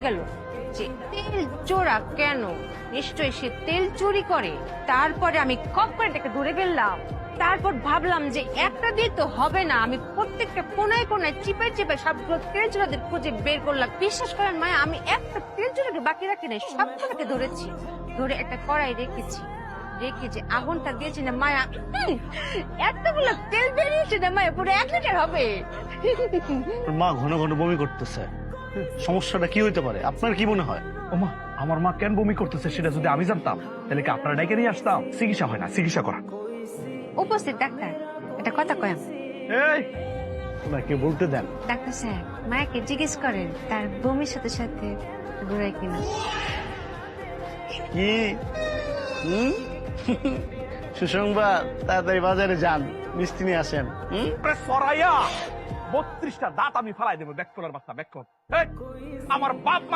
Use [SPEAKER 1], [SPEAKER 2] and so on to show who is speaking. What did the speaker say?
[SPEAKER 1] গেল যে তেল চোরা কেন, নিশ্চয়ই সে তেল চুরি করে। তারপরে আমি খপ করে তাকে ধরে ফেললাম। তারপর ভাবলাম যে একটা দিয়ে তো হবে না, আমি প্রত্যেকটা কোনায় কোনায় চিপে চিপে সবগুলো তেল চোরাদের খুঁজে বের করলাম। বিশ্বাস করেন মায়া, আমি একটা তেল চোরাকে বাকি রাখি নাই, সবগুলোকে ধরেছি। ধরে একটা কড়াই রেখেছি, রেখে যে আগুনটা দিয়েছি না মায়া, এতগুলো তেল বেরিয়েছে না মায়া, পুরো 1 লিটার হবে।
[SPEAKER 2] মা ঘন ঘন বমি করতেছে, সমস্যাটা কি হইতে পারে আপনার কি মনে হয়?
[SPEAKER 3] ওমা, আমার মা কেন বমি করতেছে সেটা যদি আমি জানতাম তাহলে কি আপনারা ডেকে নিয়ে আসতাম? চিকিৎসা হয় না, চিকিৎসা করা।
[SPEAKER 1] উপস্থিত ডাক্তার, একটা কথা কয়াম।
[SPEAKER 2] এই ওনাকে বলতে দেন।
[SPEAKER 1] ডাক্তার স্যার, মায়াকে জিজ্ঞেস করেন তার বমির সাথে সাথে ঘুরায় কিনা।
[SPEAKER 2] কি সুসংবাদ, তাড়াতাড়ি বাজারে যান, মিষ্টি নিয়ে আসেন।
[SPEAKER 3] সরাইয়া 32টা দাঁত আমি ফালাই দেবো। ব্যাক করার বাচ্চা, ব্যাক কর। আমার বাপ